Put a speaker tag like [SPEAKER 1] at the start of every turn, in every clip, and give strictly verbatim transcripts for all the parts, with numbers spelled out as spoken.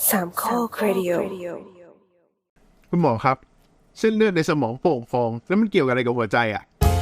[SPEAKER 1] สามข้อครดิโอ
[SPEAKER 2] คุณหมอครับเส้นเลือดในสมองโป่งฟองแล้วมันเกี่ยวกับอะไรกับหัวใจอ่ะ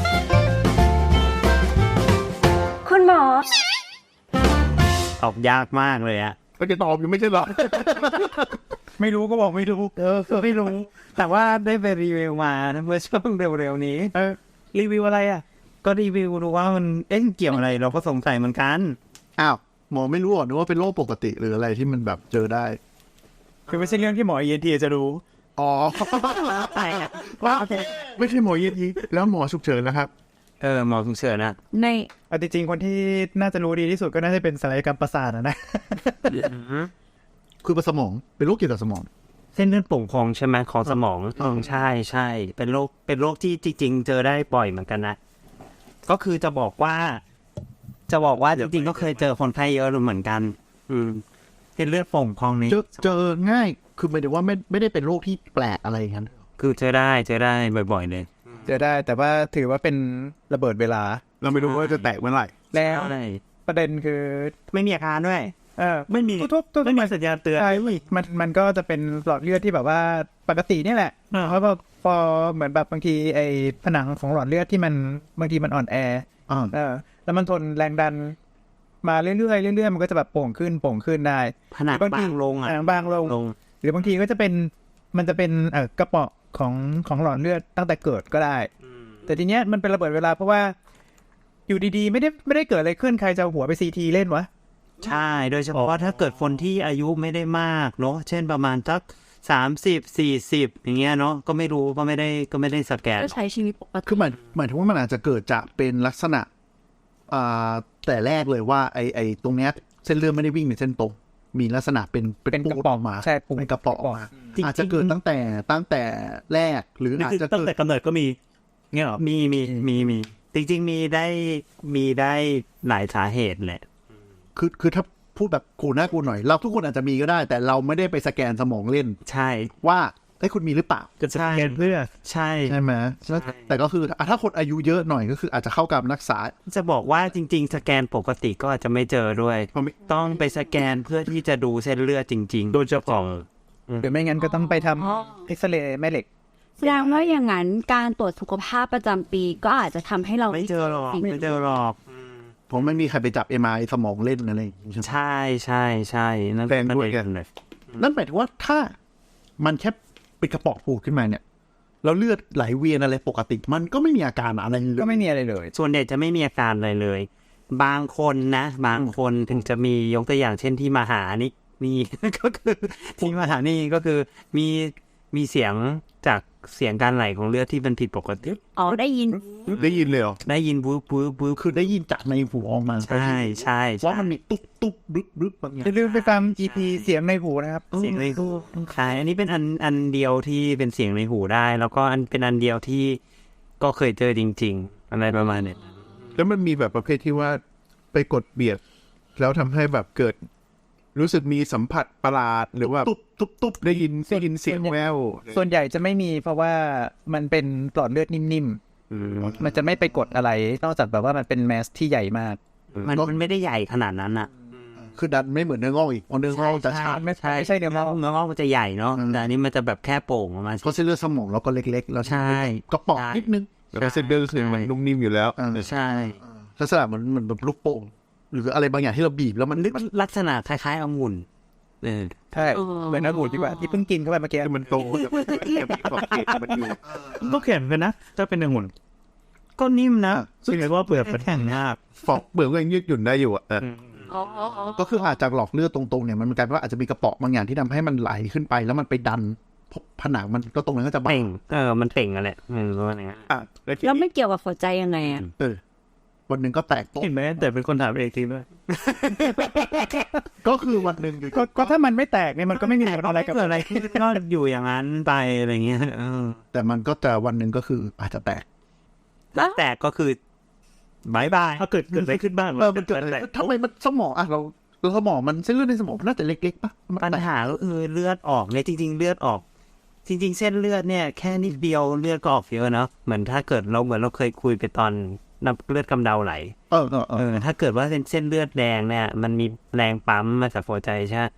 [SPEAKER 1] คุณหมอ
[SPEAKER 3] ตอบยากมากเลยอะ
[SPEAKER 2] ก็จะตอบอยู่ไม่ใช่หรอ
[SPEAKER 3] ไม่รู้ก็บอกไม่รู้เออไม่รู้แต่ว่าได้ไปรีวิวมาเมื่อช่วงเร็วๆนี้เออรีวิวอะไรอะก็รีวิวดูว่ามันเอ๊ะเกี่ยวอะไรเราก็สงสัยเหมือนกัน
[SPEAKER 2] อ้าวหมอไม่รู้หรอนึกว่าเป็นโรคปกติหรืออะไรที่มันแบบเจอได้
[SPEAKER 3] คือไม่ใช่เรื่องที่หมอ อี เอ็น ที จะรู้
[SPEAKER 2] อ๋อ
[SPEAKER 3] ใช่
[SPEAKER 2] ว่าไม่ใช่หมอ อี เอ็น ที แล้วหมอฉุกเฉินนะครับ
[SPEAKER 3] เออหมอฉุกเฉินนะ
[SPEAKER 4] ในจริงๆคนที่น่าจะรู้ดีที่สุดก็น่าจะเป็นศัลยกรรมประสาทนะ
[SPEAKER 2] คือประสมองเป็นโรคเกี่ยวกับสมอง
[SPEAKER 3] เส้นเลือดโป่งพองใช่ไหมของสมองอืมใช่ใช่เป็นโรคเป็นโรคที่จริงๆเจอได้บ่อยเหมือนกันนะก็คือจะบอกว่าจะบอกว่าจริงๆก็เคยเจอคนไข้เยอะเหมือนกันอืมเส้นเลือดโป่งพองนี้
[SPEAKER 2] เจอเจอง่ายคือไม่ได้ว่าไม่ไม่ได้เป็นโรคที่แปลกอะไรอย่างนั้น
[SPEAKER 3] คือเจอได้เจอได้บ่อยๆเลย
[SPEAKER 4] เจอได้แต่ว่าถือว่าเป็นระเบิดเวลา
[SPEAKER 2] เราไม่รู้ว่าจะแตกเมื่อไหร่
[SPEAKER 4] แล้วประเด็นคือ
[SPEAKER 3] ไม่มีอาการด้วย
[SPEAKER 4] เออ
[SPEAKER 3] ไม่มีไม่มีสัญญาณเตือน
[SPEAKER 4] ใช่มันมันก็จะเป็นหลอดเลือดที่แบบว่าปกตินี่แหละเพราะว่าพอเหมือนแบบบางทีไอ้ผนังของหลอดเลือดที่มันบางทีมันอ่อนแอเออแล้วมันทนแรงดันมาเรื่อยๆเรื่อยๆมันก็จะแบบโป่งขึ้นโป่งขึ้นได้
[SPEAKER 3] ผนังบางลงอ่ะ
[SPEAKER 4] บางลงหรือบางทีก็จะเป็นมันจะเป็นเอ่อกระเปาะของของหลอดเลือดตั้งแต่เกิดก็ได้แต่ทีเนี้ยมันเป็นระเบิดเวลาเพราะว่าอยู่ดีๆไม่ได้ไม่ได้เกิดอะไรขึ้นใครจะหัวไปซีทีเล่นวะ
[SPEAKER 3] ใช่โดยเฉพาะถ้าเกิดคนที่อายุไม่ได้มากเนาะเช่นประมาณสักสามสิบสี่สิบอย่างเงี้ยเนาะก็ไม่รู้ก็ไม่ได้ก็ไม่ได้สแกน
[SPEAKER 1] ก็ใช้ชีวิตปกติ
[SPEAKER 2] คือหมายหมายถึงว่ามันอาจจะเกิดจากเป็นลักษณะอ่าแต่แรกเลยว่าไอไอตรงเนี้ยเส้นเลือดไม่ได้วิ่งเป็นเส้นตรงมีลักษณะเป็น
[SPEAKER 4] เป็นกระป๋องมาใช่
[SPEAKER 2] เป็นกระป๋องมาอาจจะเกิดตั้งแต่ตั้งแต่แรกหรืออาจจะ
[SPEAKER 3] ตั้งแต่กำเนิดก็มีเงี้ยหรอมีมีมีมีจริงๆมีได้มีได้หลายสาเหตุแหละ
[SPEAKER 2] คือคือถ้าพูดแบบกูน่ากูหน่อยเราทุกคนอาจจะมีก็ได้แต่เราไม่ได้ไปสแกนสมองเล่น
[SPEAKER 3] ใช่
[SPEAKER 2] ว่าไอ้คุณมีหรือเปล่า
[SPEAKER 4] จะสแกนเพื่อ
[SPEAKER 3] ใช่
[SPEAKER 2] ใช่ไหมแต่ก็คือถ้าคนอายุเยอะหน่อยก็คืออาจจะเข้ากับรักษา
[SPEAKER 3] จะบอกว่าจริงๆสแกนปกติก็อาจจะไม่เจอด้วยต้องไปสแกนเพื่อที่จะดูเส้นเลือดจริงๆโดยเฉพาะ
[SPEAKER 4] หรือไม่งั้นก็ต้องไปทำเอ็กซเรย์แม่เหล็ก
[SPEAKER 1] แสดงว่าอย่างนั้นการตรวจสุขภาพประจำปีก็อาจจะทำให้เรา
[SPEAKER 3] ไม่เจอหรอกไม่เจอหรอก
[SPEAKER 2] ผมไม่มีใครไปจับ เอ็ม อาร์ ไอ สมองเล่นอะไร
[SPEAKER 3] ใช่ใช่ใช่นั่น
[SPEAKER 2] แปลงด้วยกันเลยนั่นหมายถึงว่าถ้ามันแค่เป็นกระป๋องปูดขึ้นมาเนี่ยแล้วเลือดไหลเวียนอะไรปกติมันก็ไม่มีอาการอะไรเลย
[SPEAKER 4] ก็ไม่มีอะไรเลย
[SPEAKER 3] ส่วนใหญ่จะไม่มีอาการอะไรเลยบางคนนะบางคนถึงจะมียกตัวอย่างเช่นที่มาหานี่มีก็คือที่มาหานี่ก็คือมีมีเสียงจากเสียงการไหลของเลือดที่มันผิดปกติ
[SPEAKER 1] อ๋อได้ยิน
[SPEAKER 2] ได้ยินเลยเหรอ
[SPEAKER 3] ได้ยินบู๊บู๊บู๊
[SPEAKER 2] คือได้ยินจากในหูออกมา
[SPEAKER 3] ใช่ใช่
[SPEAKER 2] ว่ามันมีตุ๊บตุ๊บบึ๊บบึ๊บบางอย่าง
[SPEAKER 4] อย่าลืมไปฟัง อี พี เสียงในหูนะครับ
[SPEAKER 3] เสียงในหูใช่อันนี้เป็นอันอันเดียวที่เป็นเสียงในหูได้แล้วก็อันเป็นอันเดียวที่ก็เคยเจอจริงๆอะไรประมาณนี้
[SPEAKER 2] แล้วมันมีแบบประเภทที่ว่าไปกดเบียดแล้วทำให้แบบเกิดรู้สึกมีสัมผัสประหลาดหรือว่าตุ๊บตุ๊บตุ๊บได้ยินได้ยินเสียงแวว
[SPEAKER 4] ส่วนใหญ่จะไม่มีเพราะว่ามันเป็นหลอดเลือดนิ่มๆมันจะไม่ไปกดอะไรนอกจากแบบว่ามันเป็นแมสที่ใหญ่มาก
[SPEAKER 3] มันมันไม่ได้ใหญ่ขนาดนั้นอ่ะ
[SPEAKER 2] คือดันไม่เหมือนเนื้องอกอีกเนื้องอกจะชา
[SPEAKER 4] ไม่ใช่ไม่ใช่เนื้องอก
[SPEAKER 3] เนื้องอกมันจะใหญ่เนาะแต่อันนี้มันจะแบบแค่โป่งออกมา
[SPEAKER 2] เพราะเส้นเลือดสมองเราก็เล็กๆแล้ว
[SPEAKER 3] ใช่
[SPEAKER 2] กระป๋องนิดนึงแต่เส้นเลือดคือมันนุ่มนิ่มอยู่แล้ว
[SPEAKER 3] ใช่
[SPEAKER 2] ลักษณะเหมือนเหมือนแบบลูกโป่งหรืออะไรบางอย่างที่เราบีบแล้วมัน
[SPEAKER 3] ลักษณะคล้ายๆองุ่น
[SPEAKER 4] เออใช่เหมือนองุ่นที่ว่าที่เพิ่งกินเข้าไปเมื่อกี้
[SPEAKER 2] มันโตมันอยู่
[SPEAKER 4] ก็แข็งกันนะถ้าเป็นองุ่นก็นิ่มนะซึ่งเรียกว่าเปลือกมันแข็งมาก
[SPEAKER 2] ฟอกเปลือกก็ยังยืดหยุ่นได้อยู่อ่ะก็คืออาจจะหลอกเลือดตรงๆเนี่ยมันกลายเป็นว่าอาจจะมีกระเปาะบางอย่างที่ทำให้มันไหลขึ้นไปแล้วมันไปดันผนังมันก็ตรงนั้นก็จะ
[SPEAKER 3] เป่งเออมันเป่งอะไรอืมว่าอย่างเงี้ย
[SPEAKER 1] อ่ะแล้วไม่เกี่ยวกับหัวใจยังไงอ่ะ
[SPEAKER 2] เออวันหนึ่งก็แตกโต๊ะ
[SPEAKER 4] เห็นไหมแต่เป็นคนถามเองจริงด้วย
[SPEAKER 2] ก็คือวันหนึ่ง
[SPEAKER 4] ก็ถ้ามันไม่แตกเนี่ยมันก็ไม่มีอะไรกับ
[SPEAKER 3] อะไรก็อยู่อย่างนั้นไปอะไรเงี้ย
[SPEAKER 2] แต่มันก็จะวันหนึ่งก็คืออาจจะแตก
[SPEAKER 3] แตกก็คือบายบาย
[SPEAKER 4] ถ้าเกิดเกิดอะไรขึ้นบ้าง
[SPEAKER 2] เออมันเกิดอะไรทำไมมันสมองอ่ะเราเราสมองมันเส้นเลือดในสมองน่าจะเล็กๆป่ะ
[SPEAKER 3] ปัญหาก็คือเลือดออกเนี่ยจริงๆเลือดออกจริงๆเส้นเลือดเนี่ยแค่นิดเดียวเลือดก็ออกเยอะเนาะเหมือนถ้าเกิดเราเหมือนเราเคยคุยไปตอนน้ำเลือดกำเดาไหล
[SPEAKER 2] เออเออเออ
[SPEAKER 3] ถ้าเกิดว่าเส้นเส้นเลือดแดงเนี่ยมันมีแรงปั๊มมาจากหัวใจใช่ม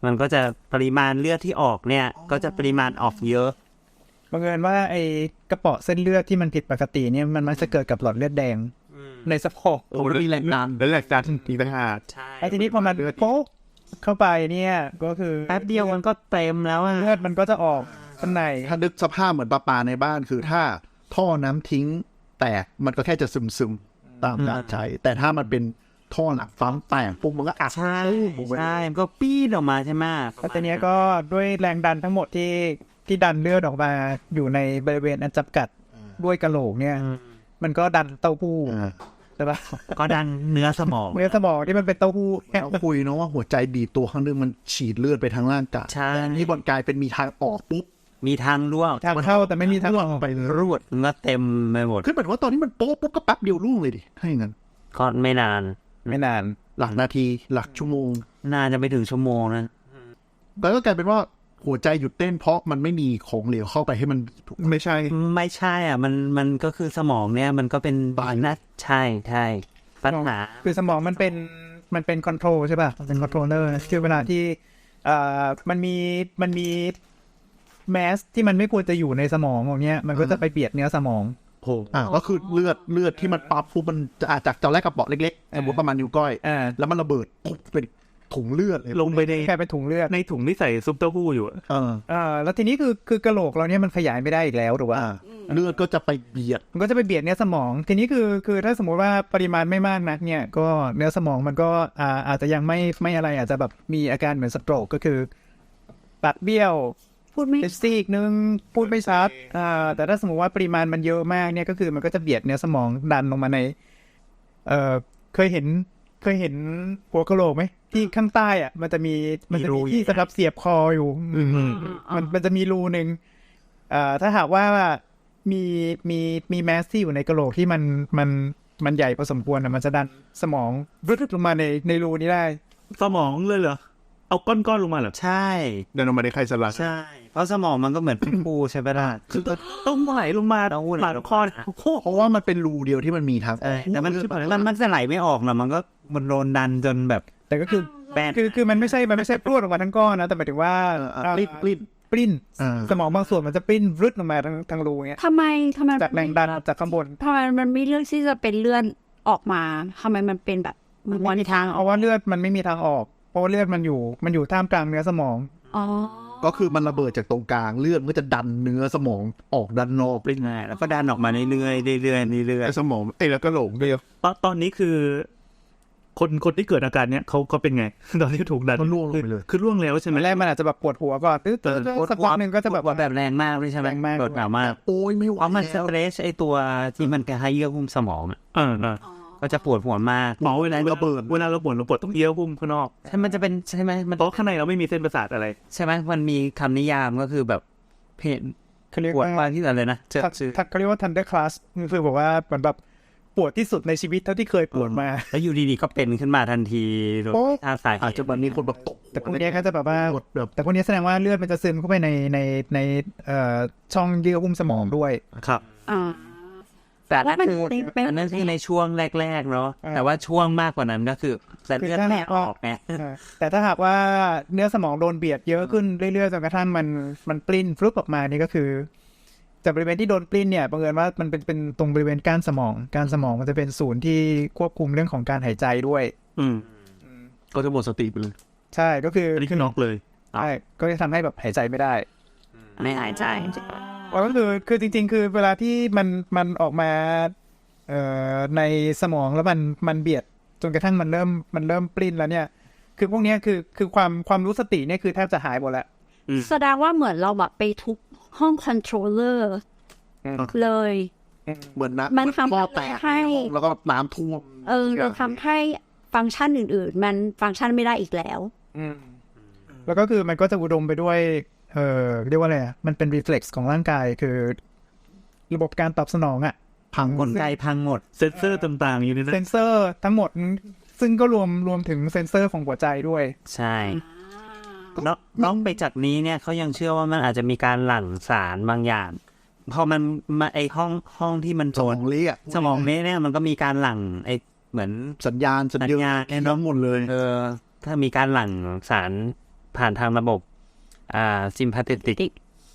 [SPEAKER 3] มันก็จะปริมาณเลือดที่ออกเนี่ยก็จะปริมาณออกเยอะ
[SPEAKER 4] บังเอิญว่าไอ้กระเปาะเส้นเลือดที่มันผิดปกติเนี่ยมันมันจะเกิดกับหลอดเลือดแดงในสะโพก
[SPEAKER 2] โอ้แล้วมีแรงดันแล้วแรงดันอีกต่างหาก
[SPEAKER 3] ใช่
[SPEAKER 4] ไอ้ทีนี้พอมันโป๊กเข้าไปเนี่ยก็คือ
[SPEAKER 3] แป๊บเดียวมันก็เต็มแล้วอะ
[SPEAKER 4] เลือดมันก็จะออกข้างใน
[SPEAKER 5] ถ้านึกสภาพเหมือนปลาปลาในบ้านคือถ้าท่อน้ำทิ้งแตกมันก็แค่จะซึมซึมๆตามการใช้แต่ถ้ามันเป็นท่อหนักฟังแตกปุ๊บมันก็อัด
[SPEAKER 3] ใช่ใช่มันก็ปี๊ดออกมาใช่ไหม
[SPEAKER 4] แล้วทีนี้ก็ด้วยแรงดันทั้งหมดที่ที่ดันเลือดออกมาอยู่ในบริเวณอันจำกัดด้วยกะโหลกเนี่ยมันก็ดันเต้าหู้ใช่ปะ
[SPEAKER 3] ก็ดันเนื้อสมอง
[SPEAKER 4] เนื้อสมองที่มันเป็นเต้าหู้
[SPEAKER 5] เราคุยเนาะว่าหัวใจบีบตัวข้างนึงมันฉีดเลือดไปทางร่างกาย
[SPEAKER 3] ใช่
[SPEAKER 5] นี่บอลกลายเป็นมีทางออกปุ๊บ
[SPEAKER 3] มีทางร่วง
[SPEAKER 4] ทางเข้าแต่ไม่มีทางออก
[SPEAKER 5] ไป
[SPEAKER 3] รวดมันก็เต็มไปหมด
[SPEAKER 5] คือเหมือนว่าตอนนี้มันโป๊ะปุ๊บก็แป๊บเดียวรุ่งเลยดิถ้าอย่างนั้น
[SPEAKER 3] ก็ไม่นาน
[SPEAKER 4] ไม่นาน
[SPEAKER 5] หลักนาทีหลักชั่วโมง
[SPEAKER 3] น่าจะไม่ถึงชั่วโมงนะ
[SPEAKER 5] แล้วก็กลายเป็นว่าหัวใจหยุดเต้นเพราะมันไม่มีของเหลวเข้าไปให้มันถูก
[SPEAKER 2] ไม่ใช่
[SPEAKER 3] ไม่ใช่อ่ะมันมันก็คือสมองเนี่ยมันก็เป็นบางนัดใช่ใช่ปัญหา
[SPEAKER 4] คือสมองมันเป็นมันเป็นคอนโทรลใช่ป่ะมันเป็นคอนโทรลเลอร์คือเวลาที่เอ่อมันมีมันมีแมสที่มันไม่ควรจะอยู่ในสมองของเนี้ยมันก็จะไปเบียดเนื้อสมอง
[SPEAKER 5] โผล่อ่าก็คือเลือดเลือดที่มันปั๊บปุ๊บมันจะอาจจากตอนแรกกระเป๋อเล็กๆสมมติประมาณนิ้วก้อย
[SPEAKER 4] อ่า
[SPEAKER 5] แล้วมันระเบิดปุ๊บเป็นถุงเลือดเลย
[SPEAKER 2] ลงไปใน
[SPEAKER 4] แค่เป็นถุงเลือด
[SPEAKER 2] ในถุงที่ใส่ซุปเต้าหู้อยู่อะ
[SPEAKER 5] เออ
[SPEAKER 4] อ่าแล้วทีนี้คือคือกะโหลกเราเนี่ยมันขยายไม่ได้อีกแล้วถูกป่ะ
[SPEAKER 5] อ่าเลือดก็จะไปเบียด
[SPEAKER 4] มันก็จะไปเบียดเนื้อสมอง ทีนี้คือคือถ้าสมมติว่าปริมาณไม่มากนักเนี่ยก็เนื้อสมองมันก็อ่าอาจจะยังไม่ไม่อะไรอาจจะแบบมีอาการเหมือนสโตรกก็คือปากเบี้ยว
[SPEAKER 1] พูดไม่
[SPEAKER 4] เป็นซีกนึงพูดไม่ชัดอ่าแต่ถ้าสมมติว่าปริมาณมันเยอะมากเนี่ยก็คือมันก็จะเบียดเนื้อสมองดันลงมาในเอ่อเคยเห็นเคยเห็นหัวกะโหลกไหมที่ข้างใต้อ่ะมันจะมีมันจะมีที่สำหรับเสียบคออยู่มันมันจะมีรูหนึ่งอ่าถ้าหากว่ามีมีมีแมสที่อยู่ในกะโหลกที่มันมันมันใหญ่พอสมควรอ่ะมันจะดันสมองรึดลงมาในในรูนี้ได้
[SPEAKER 2] สมองเลยเหรอเอาก้อนๆลงมาเหรอ
[SPEAKER 3] ใช่
[SPEAKER 2] เดินออกมาในไข่สลัด
[SPEAKER 3] ใช่เพราะสมองมันก็เหมือนเป็นปูใช่ไหมล่ะ
[SPEAKER 2] คือต้องไหลลงมา
[SPEAKER 3] ต้องไหล
[SPEAKER 2] หลังคอโอ้โห
[SPEAKER 5] เพราะว่ามันเป็นรูเดียวที่มันมีทาง
[SPEAKER 3] เออแต่มันมันมันจะไหลไม่ออกนะมันก็มันโดนดันจนแบบ
[SPEAKER 4] แต่ก็คือ
[SPEAKER 3] แบน
[SPEAKER 4] คือคือมันไม่ใช่มันไม่ใช่พรวดออกมาทั้งก้อนนะแต่หมายถึงว่า
[SPEAKER 5] ปลิ้นปลิ้น
[SPEAKER 4] ปลิ้น
[SPEAKER 5] อ่า
[SPEAKER 4] สมองบางส่วนมันจะปลิ้นรึดลงมาทั้งทั้งรูเงี้ย
[SPEAKER 1] ทำไมทำไม
[SPEAKER 4] จากแรงดันจากข้างบน
[SPEAKER 1] ทำไมมันไม่เลือกที่จะเป็นเลื่อนออกมาทำไมมันเป็นแบบมันวันทาง
[SPEAKER 4] เพราะว่าเลือดมันไม่มีทางออกเพราะว่าเลือดมันอยู่มันอยู่ท่ามกลางเนื้อสมอง
[SPEAKER 1] อ๋อ
[SPEAKER 5] ก็คือมันระเบิดจากตรงกลางเลือดมันก็จะดันเนื้อสมองออกดันนอก
[SPEAKER 3] ปลิ้นไงแล้วก็ดันออกมาเรื่อยๆเรื่อยๆเรื่อย
[SPEAKER 2] ไอ้สมองไอ้แล้วก็โหลงเดียวตอนตอนนี้คือ คนคนที่เกิดอาการเนี้ยเขาเขาเป็นไง ตอนที่ถูกดัน
[SPEAKER 5] ก็ล่วงลงไปเลย
[SPEAKER 2] คือล่วงแล้วใช่ไหม
[SPEAKER 4] แรกมันอาจจะแบบปวดหัวก่อนตื้อตื้อตื้อสักพักหนึ่งก็จะแบบ
[SPEAKER 3] ปวดแบบแรงมากด้วยใช่ไหม
[SPEAKER 4] แรงมาก
[SPEAKER 3] ปวดแบบมาก
[SPEAKER 5] โอ้ยไม่ไหว
[SPEAKER 3] เพราะมันส
[SPEAKER 5] แล้ว
[SPEAKER 3] เตรสไอตัวที่มันกระให้เยื่อหุ้มสมองอะ
[SPEAKER 2] อ่าอ่า
[SPEAKER 3] ก็จะปวดหัวมาก
[SPEAKER 2] หมอเวลาระเบิดเวลาเราปวดเราปวดต้องเยี่ยวพุ่มข้างนอก
[SPEAKER 3] ใช่มันจะเป็นใช่ไหมมัน
[SPEAKER 2] เพราะข้างในเราไม่มีเส้นประสาทอะไร
[SPEAKER 3] ใช่ไหมมันมีคำนิยามก็คือแบบเพน
[SPEAKER 4] เขาเรียก
[SPEAKER 3] ปวด
[SPEAKER 4] ว่า
[SPEAKER 3] ว่าที่อะไรนะเจอ
[SPEAKER 4] ทัก
[SPEAKER 3] ชื่อ
[SPEAKER 4] ทักเขาเรียกว่า thunder class คือบอกว่าเหมือนแบบปวดที่สุดในชีวิตเท่าที่เคยปวดมา
[SPEAKER 3] แล้วอยู่ดีๆก็เป็นขึ้นมาทันทีโดย
[SPEAKER 4] โอ๊ะ
[SPEAKER 3] ท่าสาย
[SPEAKER 5] อาจจะแบบมีคนแบบตก
[SPEAKER 4] แต่พวกเนี้ยเขาจะแบบว่า
[SPEAKER 5] กดแบบ
[SPEAKER 4] แต่พวกเนี้ยแสดงว่าเลือดมันจะซึมเข้าไปในในในเอ่อช่องเยื่อหุ้มสมองด้วย
[SPEAKER 2] ครับ
[SPEAKER 1] อ่า
[SPEAKER 3] แต่นั่นคือ
[SPEAKER 1] แล้วมันเป็น
[SPEAKER 3] อันนั้นคือในช่วงแรกๆเนาะ
[SPEAKER 4] อ่า
[SPEAKER 3] แต่ว่าช่วงมากกว่านั้นก็คือแต่เลือดแม่ออกไง
[SPEAKER 4] แต่ถ้าหากว่าเนื้อสมองโดนเบียดเยอะขึ้นเรื่อยๆจนกระทั่งมันมันปลิ้นฟลุปออกมานี่ก็คือจากบริเวณที่โดนปลิ้นเนี่ยบังเอิญว่ามันเป็นเป็นตรงบริเวณก้านสมองก้านสมองมันจะเป็นศูนย์ที่ควบคุมเรื่องของการหายใจด้วย
[SPEAKER 2] อืม
[SPEAKER 5] ก็จะหมดสติไปเลย
[SPEAKER 4] ใช่ก็คือ
[SPEAKER 2] อันนี้คือน็อกเลย
[SPEAKER 4] ใช่ก็จะทำให้แบบหายใจไม่ได้
[SPEAKER 1] ไม่หายใจ
[SPEAKER 4] ก็คือคือจริงๆ คือเวลาที่มันมันออกมาเอ่อในสมองแล้วมันมันเบียดจนกระทั่งมันเริ่มมันเริ่มปลิ้นแล้วเนี่ย คือพวกเนี้ยคือคือความความรู้สติเนี่ยคือแทบจะหายหมดแล้ว
[SPEAKER 1] แสดงว่าเหมือนเราแบบไปทุบห้องคอนโทรลเลอร์เลย
[SPEAKER 5] เหมือนนะ
[SPEAKER 1] มันทำ
[SPEAKER 5] ท่อแตก
[SPEAKER 1] ให้
[SPEAKER 5] แล้วก็น้ำท่วม
[SPEAKER 1] เออเราทำให้ฟังก์ชันอื่นๆ มันฟังก์ชันไม่ได้อีกแล้ว
[SPEAKER 4] แล้วก็คือมันก็จะอุดมไปด้วยเอ่อเรียกว่าอะไรอ่ะมันเป็น reflex ของร่างกายคือระบบการตอบสนองอ่ะ
[SPEAKER 3] พังกลไกพังหมด
[SPEAKER 2] เซนเซอร์ต่างๆ อยู่ในนั้
[SPEAKER 4] เซ
[SPEAKER 2] น
[SPEAKER 4] นเซอร์ทั้งหมดซึ่งก็รวมรวมถึงเซนเซอร์ของหัวใจด้วย
[SPEAKER 3] ใช่นอกนอกไปจากนี้เนี่ยเขายังเชื่อว่ามันอาจจะมีการหลั่งสารบางอย่างพอมันมาไอห้องห้องที่มัน
[SPEAKER 5] สมองเละอะ
[SPEAKER 3] สมองนี้เนี่ยมันก็มีการหลั่งไอเหมือน
[SPEAKER 5] สัญญาณสัญ
[SPEAKER 3] สัญ
[SPEAKER 5] ญา
[SPEAKER 3] ญา
[SPEAKER 5] ณ
[SPEAKER 3] ณเนี่ย
[SPEAKER 5] น้ำหมดเลย
[SPEAKER 3] เออถ้ามีการหลั่งสารผ่านทางระบบอ่าซิมพาเทติก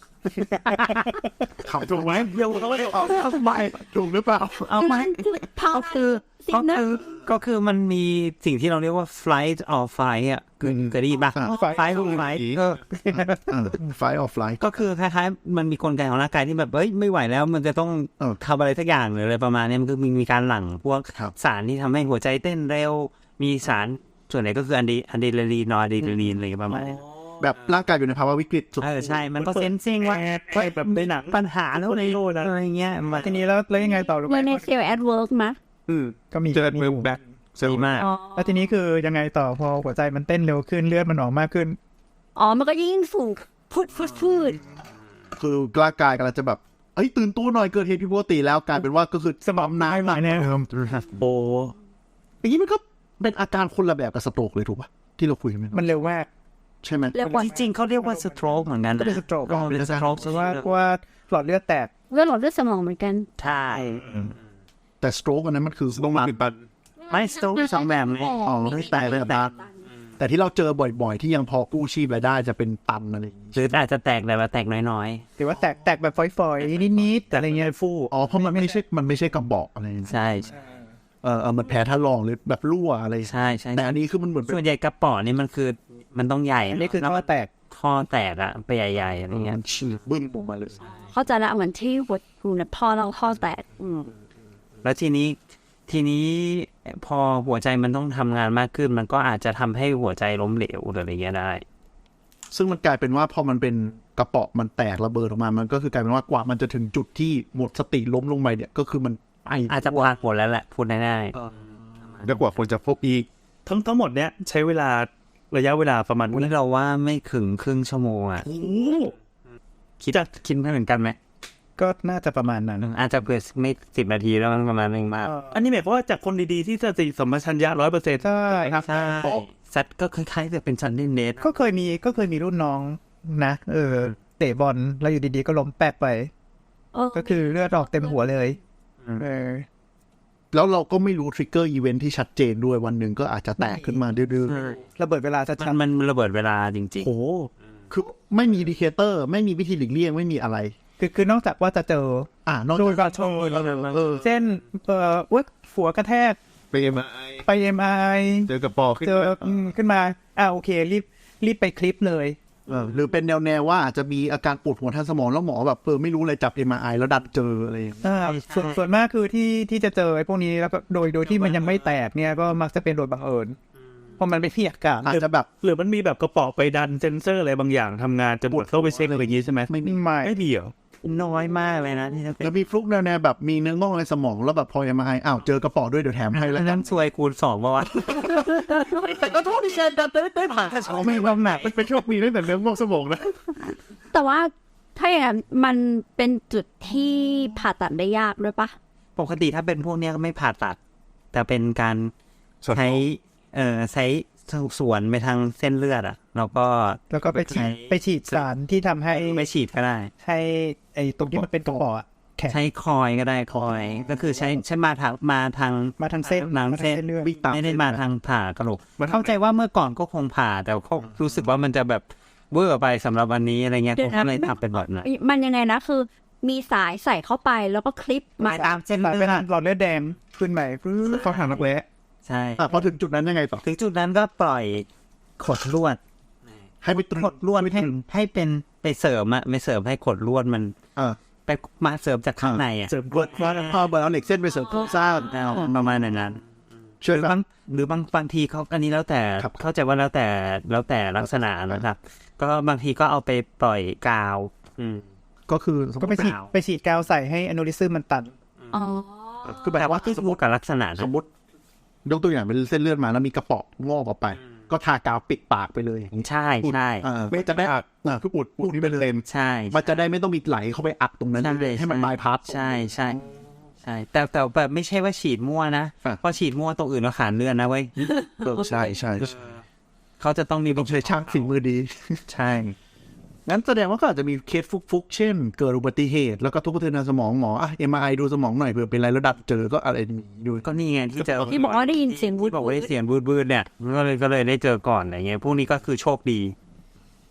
[SPEAKER 2] เขาถูกไหมเดี๋ยวเขาไม่ได้เอาเอาไปถูกหรือเปล่า
[SPEAKER 3] เอาไหม
[SPEAKER 1] พาคือสิ่
[SPEAKER 3] ก็
[SPEAKER 1] งนั้น
[SPEAKER 3] คือก็คือมันมีสิ่งที่เราเรียกว่า flight or fight อ่ะคือเคยได้ยินป่ะ
[SPEAKER 5] อ่า
[SPEAKER 3] fight or flight ก็
[SPEAKER 5] ไฟออฟไลท์
[SPEAKER 3] ก็คือคล้ายๆมันมีกลไกของร่างกายที่แบบเอ้ยไม่ไหวแล้วมันจะต้อง
[SPEAKER 5] เออ
[SPEAKER 3] ทำอะไรสักอย่างหรืออะไรประมาณนี้มันก็มีมีการหลั่งพวก
[SPEAKER 5] ครับ
[SPEAKER 3] สารที่ทำให้หัวใจเต้นเร็วมีสารส่วนไหนก็คืออะดรีอะดรีนาลีนนอร์อะดรีนาลีนอะไรประมาณนี้
[SPEAKER 5] แบบร่างกายอยู่ในภาวะวิกฤตสุด
[SPEAKER 3] เออใช่มันก็เซนซิงว่า
[SPEAKER 4] แบบในหนัง
[SPEAKER 3] ปัญหาแล้วในอะไรเงี้ยมัน
[SPEAKER 4] ทีนี้แล้วแล้วยังไงต่อรู้ไห
[SPEAKER 1] เมื่
[SPEAKER 4] ม
[SPEAKER 1] อในเซลล์แอดเวิร์กมะ
[SPEAKER 2] อืม
[SPEAKER 4] ก็มี
[SPEAKER 2] เจอมือแบ็คเซล
[SPEAKER 3] ดี
[SPEAKER 2] ล์
[SPEAKER 3] มาก
[SPEAKER 1] อ๋อ
[SPEAKER 4] แล้วทีนี้คือยังไงต่อพอหัวใจมันเต้นเร็วขึ้นเลือดมันออกมากขึ้น
[SPEAKER 1] อ๋อมันก็ยิ่งสูงพุดพุดพุด
[SPEAKER 5] คือร่างกายกำลังจะแบบเอ้ยตื่นตัวหน่อยเกิดเหตุผิดปกติแล้วกลายเป็นว่าก็คือสมองน้ำหนัก
[SPEAKER 4] แน่
[SPEAKER 2] โอ้
[SPEAKER 5] อย่างนี้มันก็เป็นอาการคนละแบบกับสโตรกเลยถูกป่ะที่เราคุยกัน
[SPEAKER 4] มันเร็วมาก
[SPEAKER 5] ใช่ไหม
[SPEAKER 1] เรียกว่า
[SPEAKER 3] จริงๆเขาเรียกว่าสโตรกเหมือนกัน
[SPEAKER 4] ก็เป็นสโตรก
[SPEAKER 3] ก็เป็นสโตรก
[SPEAKER 4] เพราะว่าเพราะว่าหลอดเลือดแตก
[SPEAKER 1] เลือดหลอดเลือดสมองเหมือนกัน
[SPEAKER 3] ใช่
[SPEAKER 5] แต่สโตรกอันนั้นมันคือ
[SPEAKER 2] ต้องมาปิดบัน
[SPEAKER 3] ไม่สโตรกสองแบบเลย
[SPEAKER 5] อ๋อไม่แตกเลยตาแต่ที่เราเจอบ่อยๆ ที่ยังพอกู้ชีพรายได้จะเป็นตันอะไรอย่างงี้
[SPEAKER 3] หรืออาจจะแตกแต่ว่าแตกน้อย
[SPEAKER 4] หรือว่าแตกแตกแบบฝอยๆนิดๆแต่อะไรเงี้ยฟู
[SPEAKER 5] อ๋อเพราะมันไม่ใช่มันไม่ใช่กระบอกอะไร
[SPEAKER 3] ๆ ใช่
[SPEAKER 5] เออเออมันแพ้ท่าลองหรือแบบรั่วอะไร
[SPEAKER 3] ใช่ใช่
[SPEAKER 5] แต่อันนี้คือมันเหมือนเป็น
[SPEAKER 3] ส่วนใหญ่กระป๋อนี่มันคือมันต้องใหญ่
[SPEAKER 4] อันนี้คือท่อแตก
[SPEAKER 3] ข้อแตกอะไปใหญ่ๆอะไรเงี้ย
[SPEAKER 5] มันฉีดบึ้มออกมาเลย
[SPEAKER 1] เข้าใจละเหมือนที่หัวหูเนี่ยพ่อเราพ่อแตกอืม
[SPEAKER 3] แล้วทีนี้ทีนี้พอหัวใจมันต้องทำงานมากขึ้น มันก็อาจจะทำให้หัวใจล้มเหลวหรืออะไรเงี้ยได้
[SPEAKER 5] ซึ่งมันกลายเป็นว่าพอมันเป็นกระเปาะมันแตกระเบิดออกมา มันก็คือกลายเป็นว่ากว่ามันจะถึงจุดที่หมดสติล้มลงไปเนี่ยก็คือมันไอ
[SPEAKER 3] อาจจะวางผลแล้วแหละพูดได้
[SPEAKER 2] แล้วกว่าคนจะพบอีก
[SPEAKER 6] ทั้งทั้งหมดเนี้ยใช้เวลาระยะเวลาประมาณ
[SPEAKER 3] ๆวันนี้เราว่าไม่ถึงครึ่งชั่วโมงอะคิดคิดไม่เหมือนกันไหม
[SPEAKER 4] ก็น่าจะประมาณนั้น
[SPEAKER 3] อาจจะเกิดไม่สิบนาทีแล้วมันประมาณนึงมาก
[SPEAKER 6] อันนี้หมายความว่าจากคนดีๆที่สติสัมปชัญญะร้อยเปอร์เซ็นต์
[SPEAKER 4] ใช่ครับ
[SPEAKER 3] ใช่ซัดก็คล้ายๆจะเป็นซันนี่เนท
[SPEAKER 4] ก็เคยมีก็เคยมีรุ่นน้องนะเออเตะบอลแล้วอยู่ดีๆก็ล้มแปะไป
[SPEAKER 1] เออ
[SPEAKER 4] ก็คือเลือดออกเต็มหัวเลยเออ
[SPEAKER 5] แล้วเราก็ไม่รู้ทริกเกอร์อีเวนท์ที่ชัดเจนด้วยวันหนึ่งก็อาจจะแตกขึ้นมาดื้อ
[SPEAKER 4] ระเบิดเวลาชั
[SPEAKER 3] มั
[SPEAKER 4] ด
[SPEAKER 3] นมันระเบิดเวลาจริง
[SPEAKER 5] ๆโอ้โหคือไม่มีอินดิเคเตอร์ ไม่มีวิธีหลีกเลี่ยงไม่มีอะไร
[SPEAKER 4] ๆคือคือนอกจากว่าจะเจอ
[SPEAKER 5] อ่านอก
[SPEAKER 4] โด
[SPEAKER 5] จาก
[SPEAKER 4] ยการโชว์
[SPEAKER 5] เออ
[SPEAKER 4] เช่นเอ่อวัดหัวกระแทก
[SPEAKER 2] ไปเอ็มไอ
[SPEAKER 4] ไปเอ็มไอ
[SPEAKER 2] เจอกระปอขึ้น
[SPEAKER 4] เจออืมขึ้นมาอ่าโอเครีบรีบไปคลิปเลย
[SPEAKER 5] เออหรือเป็นแนวแนวๆว่าอาจจะมีอาการปวดหัวทางสมองแล้วหมอแบบเออไม่รู้เลยจับ เอ็ม อาร์ ไอ แล้วดันเจออะไรอย่างเงี้ย
[SPEAKER 4] อ่าส่วนส่วนมากคือที่ที่จะเจอไอ้พวกนี้แล้วก็โดยโดยที่มันยังไม่แตกเนี่ยก็มักจะเป็นโดยบังเอิญเพราะมันไม่มีอาการ
[SPEAKER 5] อาจจะแบบ
[SPEAKER 6] หรือมันมีแบบกระเป๋อไปดันเซนเซอร์อะไรบางอย่างทำงานจะหมดเข้าไปเช็คอะไรอย่างงี้ใช่ไหม
[SPEAKER 5] ไม่มี
[SPEAKER 4] ไม่
[SPEAKER 6] ไม่มีเหรอ
[SPEAKER 3] ๆ น้อยมากเลยนะที่จะเป็น
[SPEAKER 5] แล้วมีฟลุกแนวแนวๆแบบมีเนื้องอกในสมองแล้วแบบพอ เอ็ม อาร์ ไอ อ้าวเจอกระป๋อด้วยเดี๋ยวแถมให้แล้ว
[SPEAKER 3] อัน
[SPEAKER 5] กั
[SPEAKER 3] นั้น นซวยคูณสองป่าวะ
[SPEAKER 5] แต่ก็โทษที่เชนดันได้ผ่านแค่สองไม่ว่าหนัก
[SPEAKER 2] มันเป็นโชคดีตั้งแต่เรื่องงอกสมองนะ
[SPEAKER 1] แต่ว่าถ้าอย่างนั้นมันเป็นจุดที่ผ่าตัดได้ยากด้วยปะ
[SPEAKER 3] ปกติถ้าเป็นพวกเนี้ยก็ไม่ผ่าตัด แต่เป็นการ
[SPEAKER 2] ส่วน
[SPEAKER 3] ใช้เอ่อใช้สวนไปทางเส้นเลือดอ่ะแล้วก็
[SPEAKER 4] แล้วก็ไปฉีด
[SPEAKER 3] ใช้
[SPEAKER 4] ไปฉีดสารที่ทำให้
[SPEAKER 3] ไม่ฉีดก็ได้
[SPEAKER 4] ให้ไอ้ตรงที่มันเป็นกระป๋ออะแข็ง
[SPEAKER 3] ใช้คอยก็ได้คอยก็คือใช้ใช้มาทางมาทาง
[SPEAKER 4] มาทางเส้น
[SPEAKER 3] หนัง
[SPEAKER 4] มาทาง
[SPEAKER 3] เส้น
[SPEAKER 4] เส้นเลือด
[SPEAKER 5] วิ่งตาม
[SPEAKER 3] ไม่ได้มาทางผ่ากระโหลก
[SPEAKER 2] มัน
[SPEAKER 3] เข้าใจว่าเมื่อก่อนก็คงผ่า แต่ก็รู้สึกว่ามันจะแบบเวอร์ไปสำหรับวันนี้อะไรเงี้ยก็เลยทำเป็นแบบนั้น
[SPEAKER 1] มันยังไงนะคือ มีสายใส่เข้าไปแล้วก็คลิปมา
[SPEAKER 3] ตามเส้น
[SPEAKER 4] สาย
[SPEAKER 3] เลื
[SPEAKER 4] เป็น
[SPEAKER 3] อด
[SPEAKER 4] หลอดเลือดแดงขึ้นใหม่ฟื้น
[SPEAKER 2] เข้าทางนักแร้
[SPEAKER 3] ใช่
[SPEAKER 5] อ่ะพอถึงจุดนั้นยังไงต่อ
[SPEAKER 3] ถึงจุดนั้นก็ปล่อยขดลวด
[SPEAKER 5] ให้ไปตรึง
[SPEAKER 3] ขดลวดให้ให้เป็นไปเสริมอะไม่เสริมให้ขดลวดมัน
[SPEAKER 5] อ่า
[SPEAKER 3] ไปมาเสริมจากข้างในอะ
[SPEAKER 6] เสริม
[SPEAKER 5] เบิร์ดว่าพอเบิร์ดเอาเหล็กเส้นไปเสริมโครงสร้าง
[SPEAKER 3] แนวประมาณนั้น
[SPEAKER 5] ช่วย
[SPEAKER 3] หรือ
[SPEAKER 5] แบบ
[SPEAKER 3] บางหรือบางบางทีเขาอันนี้แล้วแต่
[SPEAKER 5] ครับ
[SPEAKER 3] เข้าใจว่าแล้วแต่แล้วแต่ลักษณะนะครับ ก็บางทีก็เอาไปปล่อยกาว อืม
[SPEAKER 5] ก็คือสมม
[SPEAKER 4] ก็
[SPEAKER 5] ติ
[SPEAKER 4] ไปฉีด
[SPEAKER 3] เปล่า
[SPEAKER 4] ไปฉีดกาวใส่ให้อนูริซึมมันตัน
[SPEAKER 1] อ๋อ
[SPEAKER 5] คือแบบ
[SPEAKER 3] แต่ว่า
[SPEAKER 5] ว่า
[SPEAKER 3] ขึ้นอยู่กับลักษณะ
[SPEAKER 5] ส
[SPEAKER 3] นะ
[SPEAKER 5] มมติยกตัวอย่างเป็นเส้นเลือดมาแล้วมีกระเป๋องอกออกไป ก็ทากาวปิดปากไปเลย
[SPEAKER 3] ใช่ใช่
[SPEAKER 5] อ่าไม่จะได้อ่าคืออุดอุดนี่เป็นเลน
[SPEAKER 3] ใช่
[SPEAKER 5] มันจะได้ไม่ต้องมีไหลเข้าไปอัดตรงนั้น
[SPEAKER 3] ใช่เลย
[SPEAKER 5] ให้มันบายพาส
[SPEAKER 3] ใช่ใช่ใช่แต่แต่แบบไม่ใช่ว่าฉีดมั่วนะ
[SPEAKER 5] อ่ะ
[SPEAKER 3] เพราะฉีดมั่วตรงอื่นเราขาดเลือดนะเว้ย
[SPEAKER 5] ใช่ใช่
[SPEAKER 3] เขาจะต้องมี
[SPEAKER 5] ต้องใช้ช่างฝีมือดี
[SPEAKER 3] ใช่
[SPEAKER 5] งั้นแสดงว่าก็อาจจะมีเคสฟุกๆ เช่น เกิดอุบัติเหตุ แล้วก็ทุบกระเทือนทางสมองหมออ่ะ เอ็ม อาร์ ไอ ดูสมองหน่อยเผื่อเป็นอะไรแล้วดัดเจอก็อะไรมีดู
[SPEAKER 3] ก็นี่ไงที่เจอ
[SPEAKER 1] ที่บอกว่าได้ยินเสียงวูด
[SPEAKER 3] ที่บอกว่าได้เสียงวืดๆเนี่ยก็เลยก็เลยได้เจอก่อนอะไรเงี้ยพวกนี้ก็คือโชคดี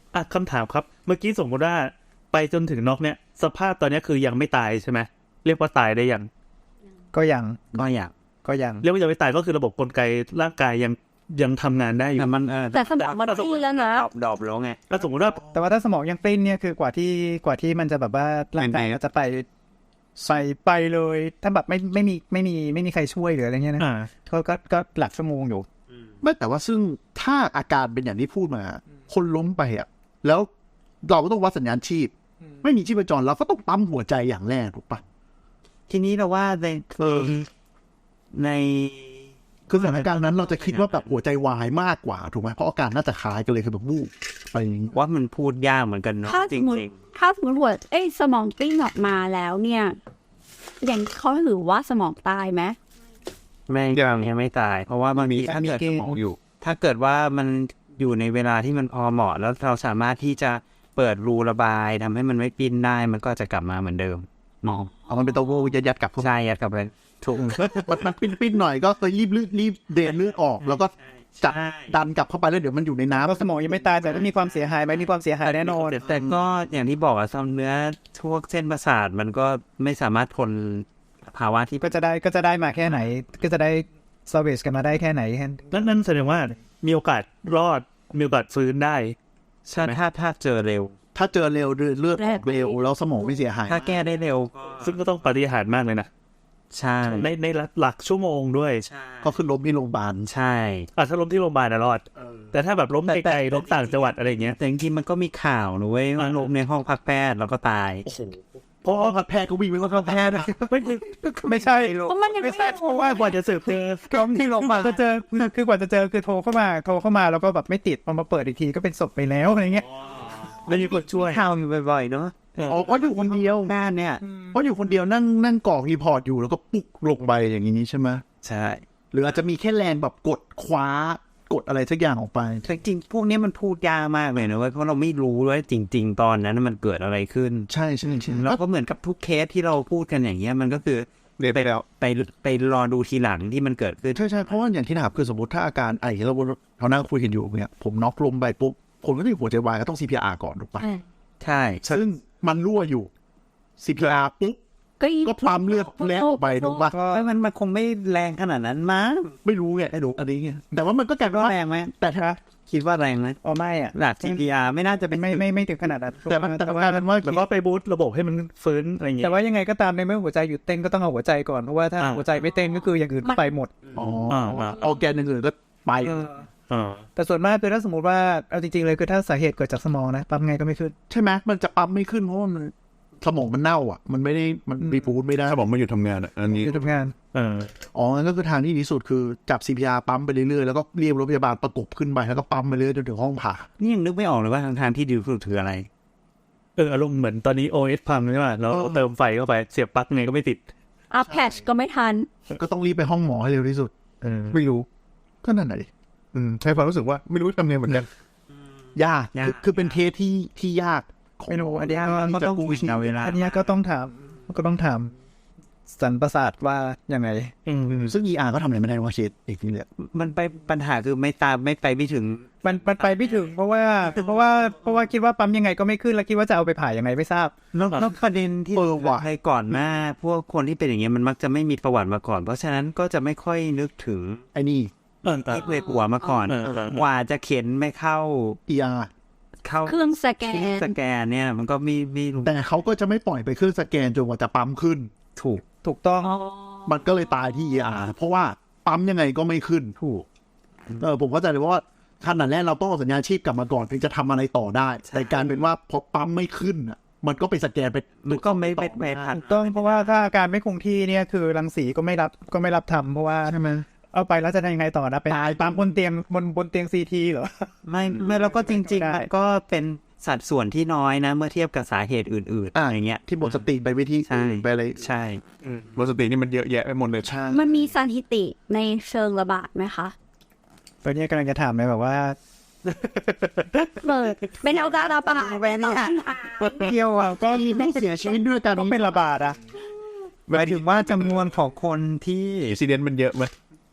[SPEAKER 6] อ่ะคำถามครับเมื่อกี้สมมติว่าไปจนถึงน็อกเนี่ยสภาพตอนนี้คือยังไม่ตายใช่ไหมเรียกว่าตายได้ยัง
[SPEAKER 4] ก็ยัง
[SPEAKER 3] ก็อยาก
[SPEAKER 4] ก็ยัง
[SPEAKER 6] เรียกว่ายังไม่ตายก็คือระบบกลไกร่างกายยังยังทำงานได้อยู่
[SPEAKER 3] แต่มันเออ
[SPEAKER 1] แต่สมองมันพูดแล้วนะ
[SPEAKER 3] ดรอปดรอปแล้วไง
[SPEAKER 6] ถ้าสมมติว่า
[SPEAKER 4] แต่ว่าถ้าสมองยังปลิ้นเนี่ยคือกว่าที่กว่าที่มันจะแบบว่าร่างกาย
[SPEAKER 3] เป็นไง
[SPEAKER 4] ก็จะไปใส่ไปเลย ถ้าแบบไม่ไม่มีไม่มีไม่มีใครช่วยหรืออะไรเงี้ยนะ
[SPEAKER 6] อ่า
[SPEAKER 4] ก็ก็ก็หลักชั่วโมงอยู่
[SPEAKER 5] ไม่แต่ว่าซึ่งถ้าอาการเป็นอย่างที่พูดมา คนล้มไปอ่ะแล้วเราก็ต้องวัดสัญญาณชีพ ไม่มีชีพจรเราก็ต้องปั๊มหัวใจอย่างแรกถูกปะ
[SPEAKER 3] ทีนี้เราว่าในใน
[SPEAKER 5] คือสถานการณ์นั้นเราจะคิดว่าแบบหัวใจวายมากกว่าถูกไหมเพราะอาการน่าจะคล้ายกันเลยคือแบบวูบไปอย่างนี้
[SPEAKER 3] ว่ามันพูดยากเหมือนกันเนาะ
[SPEAKER 1] ถ้า
[SPEAKER 3] จ
[SPEAKER 1] ส
[SPEAKER 3] ริ
[SPEAKER 1] มมติ
[SPEAKER 3] ง
[SPEAKER 1] ถ้าสมมติว่าเอ้ยสมองกลิ้งออกมาแล้วเนี่ยอย่างเขาถือว่าสมองตายไหม
[SPEAKER 3] ๆไม่ยังไม่ตาย เพราะว่าบางทีถ้าเกิด
[SPEAKER 2] สมองอยู่
[SPEAKER 3] ถ้าเกิดว่ามันอยู่ในเวลาที่มันพอเหมาะ แล้วเราสามารถที่จะเปิดรูระบายทำให้มันไม่ปิ้นได้มันก็จะกลับมาเหมือนเดิมมอง
[SPEAKER 5] เอามันเป็นตัวโวยัดยัดๆกลับเข้า
[SPEAKER 3] ใช่ยัดกลับไปถูก
[SPEAKER 5] มันมันปิ้นปิ้นๆหน่อยก็เลยรีบเลือดรีบเดนเลือดออก แล้วก็จัด
[SPEAKER 3] ใช่
[SPEAKER 5] ดันกลับเข้าไปแล้วเดี๋ยวมันอยู่ในน้ำ
[SPEAKER 4] ก็สมองยังไม่ตายแต่ถ้ามีความเสียหายไหมมีความเสียหายแน่นอน
[SPEAKER 3] แต่ก็อย่างที่บอกอะซ้ำเนื้อพวกเส้นประสาทมันก็ไม่สามารถทนภาวะที่
[SPEAKER 4] ก็จะได้ก็จะได้มาแค่ไหน ก็จะได้ซอร์เวสกันมาได้แค่ไหนแค่
[SPEAKER 6] นั่นนั่นแสดงว่ามีโอกาสรอดมีโอกาสฟื้นได้
[SPEAKER 3] ถ้าถ้าถ้าเจอเร็ว
[SPEAKER 5] ถ้าเจอเร็วเลือดเลือดออกเร็วแล้วสมองไม่เสียหาย
[SPEAKER 3] ถ้าแก้ได้เร็วก็
[SPEAKER 6] ซึ่งก็ต้องปาฏิหาริย์มากเลยนะ
[SPEAKER 3] ใช่
[SPEAKER 6] ในในหลักชั่วโมงด้วย
[SPEAKER 3] ใช่
[SPEAKER 5] ก็คือล้มที่โรงพยาบาล
[SPEAKER 3] ใช่
[SPEAKER 6] อ่ะถ้าล้มที่โรงพยาบาลนะรอด แต่ถ้าแบบล้มไกลๆล้มต่างจังหวัดอะไรอย่างเงี้ย
[SPEAKER 3] แต่จริงๆมันก็มีข่าวนะเว้ยว่าลงในห้องพักแพทย์แล้วก็ตาย
[SPEAKER 5] เพราะว่าแพทย์ก็วิ่งไปว่าแพทย์
[SPEAKER 6] ไม่คือ
[SPEAKER 4] ไม่ใช่
[SPEAKER 1] เพราะมันยัง
[SPEAKER 4] ไม่
[SPEAKER 1] ไม่
[SPEAKER 4] ใช่เพราะว่ากว่าจะสืบเจอ
[SPEAKER 3] ล้มที่โรงพยาบาล
[SPEAKER 4] จะเจอคือคือกว่าจะเจอคือโทรเข้ามาโทรเข้ามาแล้วก็แบบไม่ติดพอมาเปิดอีกทีก็เป็นศพไปแล้วอะไรเงี้ย
[SPEAKER 6] ไม่มีคนช่วย
[SPEAKER 3] ข่าวอยู่บ่อยๆเนาะ
[SPEAKER 5] อ๋อเพราะอยู่คนเดียว
[SPEAKER 3] แม่เนี่ย
[SPEAKER 5] เพราะอยู่คนเดียวนั่งนั่งกรอกรีพอร์ตอยู่แล้วก็ปุ๊กลงไปอย่างนี้ใช่ไหม
[SPEAKER 3] ใช่
[SPEAKER 5] หรืออาจจะมีแค่แรงแบบกดคว้ากดอะไรสักอย่างออกไป
[SPEAKER 3] แต่จริงๆพวกนี้มันพูดยากมากเลยนะเว้ยเพราะเราไม่รู้ว่าจริง ๆ ตอนนั้นมันเกิดอะไรขึ้น
[SPEAKER 5] ใช่ใช่ใช่
[SPEAKER 3] แล้วก็เหมือนกับทุกเคสที่เราพูดกันอย่างเงี้ยมันก็คือ
[SPEAKER 2] เรียนไปแล้ว
[SPEAKER 3] ไปไปรอดูทีหลังที่มันเกิดขึ้น
[SPEAKER 5] ใช่ใช่เพราะว่าอย่างที่ถามคือสมมติถ้าอาการไอ้เราเรานั่งคุยกันอยู่เนี่ยผมน็อกลมไปปุ๊บคนก็จะหัวใจวายก็ต้อง ซี พี อาร์ ก่อนถูกปะ
[SPEAKER 3] ใช่
[SPEAKER 5] ซึ่งมันรั่วอยู่ ซี พี อาร์ ปุ๊บ
[SPEAKER 1] ก็อี
[SPEAKER 5] ก็ปั๊มเลือดแล้วไปถูกปะ
[SPEAKER 3] ก็มันมันคงไม่แรงขนาดนั้นมั้ง
[SPEAKER 5] ไม่รู้ไงไม่รู้อันนี้ไงแต่ว่ามันก็กลายเป็น
[SPEAKER 3] ก็
[SPEAKER 5] ว่า
[SPEAKER 3] แรงไหม
[SPEAKER 5] แต่ถ้า
[SPEAKER 3] คิดว่าแรงไหม
[SPEAKER 4] อ๋อไม่อ่ะ
[SPEAKER 3] หลัก ซี พี อาร์ ไม่น่าจะเป็น
[SPEAKER 4] ไม่ไม่ไม่ถึงขนาดนั้น
[SPEAKER 5] แต่มันแต่กลายเป็นว่า
[SPEAKER 6] แล้วก็ไปบูสต์ระบบให้มันฟื้นอะไรอย่างเงี้
[SPEAKER 4] แต่
[SPEAKER 6] ย
[SPEAKER 4] ว่ายังไงก็ตามในเมื่อหัวใจหยุดเต้นก็ต้องเอาหัวใจก่อนเพราะว่าถ้า
[SPEAKER 6] อ่า
[SPEAKER 4] หัวใจไม่เต้นก็คืออย่างอื่นไปหมด
[SPEAKER 5] อ๋อ
[SPEAKER 6] อ่าอ่า
[SPEAKER 5] เอาแกนอื่นๆก็ไป
[SPEAKER 6] อ่า
[SPEAKER 4] แต่ส่วนมากคือถ้าสมมติว่าเอาจริงๆเลยคือถ้าสาเหตุเกิดจากสมองนะปั๊มไงก็ไม่ขึ้น
[SPEAKER 5] ใช่ไหมมันจะปั๊มไม่ขึ้นเพราะว่ามันสมองมันเน่าอ่ะ มันไม่ได้มันรีบูตไม่ได้
[SPEAKER 2] ถ้าบอกไม่หยุดทำงานอะอันนี้
[SPEAKER 4] คือทำงาน
[SPEAKER 6] เออ
[SPEAKER 5] อ๋องั้นก็คือทางที่ดีที่สุดคือจับ ซี พี อาร์ ปั๊มไปเรื่อยๆแล้วก็เรียกรถพยาบาลประกบขึ้นไปแล้วก็ปั๊มไปเรื่อยจนถึงห้องผ่า
[SPEAKER 3] นี่ยังนึกไม่ออกเลยว่าทางทางที่ดีที่สุดคืออะไร
[SPEAKER 6] เอออารมณ์เหมือนตอนนี้ โอ เอส พังใช่ไหมแล้วเติมไฟเข้าไปเสียบปลั๊กไงก็ไม่ติด
[SPEAKER 1] อัพแพชก็ไม่ทัน
[SPEAKER 5] ก็ต้องรีบไปห้องหมอให้เร็วที่สุด
[SPEAKER 6] เออ
[SPEAKER 2] ไม่รู้
[SPEAKER 5] ก็นั่นแหละดิ
[SPEAKER 2] อืมใช้ความรู้สึกว่าไม่รู้ทำไงเหมือนกัน
[SPEAKER 5] ยาก
[SPEAKER 3] ยาก
[SPEAKER 5] คือคือเป็นเคสที่ที่ยากของ
[SPEAKER 4] ไม่รู้อันนี้
[SPEAKER 3] ก็
[SPEAKER 4] ก็
[SPEAKER 3] ต้อง
[SPEAKER 4] ต้อง
[SPEAKER 3] เอาเวลา
[SPEAKER 4] อันนี้ก็ต้องถามก็ต้องถามสันประสาทว่ายังไง
[SPEAKER 6] อืม
[SPEAKER 5] ซึ่ง อี อาร์ ก็ทำอะไรไม่ได้ว่าเคสอีกนี่แหละ
[SPEAKER 3] มันไปปัญหาคือไม่ตามไม่ไปไม่ถึง
[SPEAKER 4] มันมันไปไม่ถึงเพราะว่าเพราะว่าเพราะว่าคิดว่าปั๊มยังไงก็ไม่ขึ้นแล้วคิดว่าจะเอาไปผ่ายังไงไม่ทราบ
[SPEAKER 3] แล้วแล้วประเด็นที่
[SPEAKER 5] เออว่ะ
[SPEAKER 3] ใครก่อนหน้า พวกคนที่เป็นอย่างเงี้ยมันมักจะไม่มีประวัติมาก่อน เพราะฉะนั้นก็จะไม่ค่อยนึกถึง
[SPEAKER 5] ไอ้นี่
[SPEAKER 6] เออเออ
[SPEAKER 3] เอ็กเรย์หัวมาก่อน
[SPEAKER 6] เออเออเออ
[SPEAKER 3] กว่าจะเข็นไม่เข้า
[SPEAKER 5] อี อาร์
[SPEAKER 3] เข้า
[SPEAKER 1] เครื่องสแกน
[SPEAKER 3] สแกนเนี่ย มันก็มีมี
[SPEAKER 5] แต่เขาก็จะไม่ปล่อยไปเครื่องสแกนจนกว่าจะปั๊มขึ้น
[SPEAKER 3] ถูก
[SPEAKER 4] ถูกต้อง
[SPEAKER 1] อ๋อ
[SPEAKER 5] มันก็เลยตายที่ อี อาร์ เพราะว่าปั๊มยังไงก็ไม่ขึ้น
[SPEAKER 3] ถูก
[SPEAKER 5] เออผมเข้าใจเลยว่าขนาดแรกเราต้องเอาสัญญาณชีพกลับมาก่อนถึงจะทำอะไรต่อได้ แต่การเป็นว่าพอปั๊มไม่ขึ้นอ่ะ มันก็ไปสแกนไป
[SPEAKER 3] มันก็ไม่ไม่ไม่ทัน
[SPEAKER 4] ถูกต้องเพราะว่าถ้าอาการไม่คงที่เนี่ยคือรังสีก็ไม่รับก็ไม่รับทำเพราะว่า
[SPEAKER 5] ใช่ไหม
[SPEAKER 4] เอาไปแล้วจะทำยังไงต่อนะไปตายปั๊มบนเตียงบนบนเตียงซีทีเหรอ
[SPEAKER 3] ไม่ไม่แล้วก็จริง
[SPEAKER 4] ได้
[SPEAKER 3] ๆมันก็เป็นสัดส่วนที่น้อยนะ เมื่อเทียบกับสาเหตุอื่นๆ
[SPEAKER 5] อ่า
[SPEAKER 3] อย่างเงี้ย
[SPEAKER 5] ที่หมดสติไปวิธี
[SPEAKER 3] ใช่
[SPEAKER 5] ไปอะไร
[SPEAKER 3] ใช่
[SPEAKER 2] หมดสตินี่มันเยอะแยะไปหมดเลย
[SPEAKER 5] ใช่
[SPEAKER 1] มันมีสถิติในเชิงระบาดไหมคะ
[SPEAKER 4] ตอนนี้กำลังจะถามเลยแบบว่า
[SPEAKER 1] เปิดเป็นเอาการระบาดไปเนี่ย
[SPEAKER 4] เที่ยวอ่ะก็
[SPEAKER 5] ไม่เสียชีวิตด้วยกัน
[SPEAKER 4] ต้องเป็นระบาดอ่ะหมายถึงว่าจำนวนของคนที่
[SPEAKER 2] อินซิเดนต์มันเยอะไหม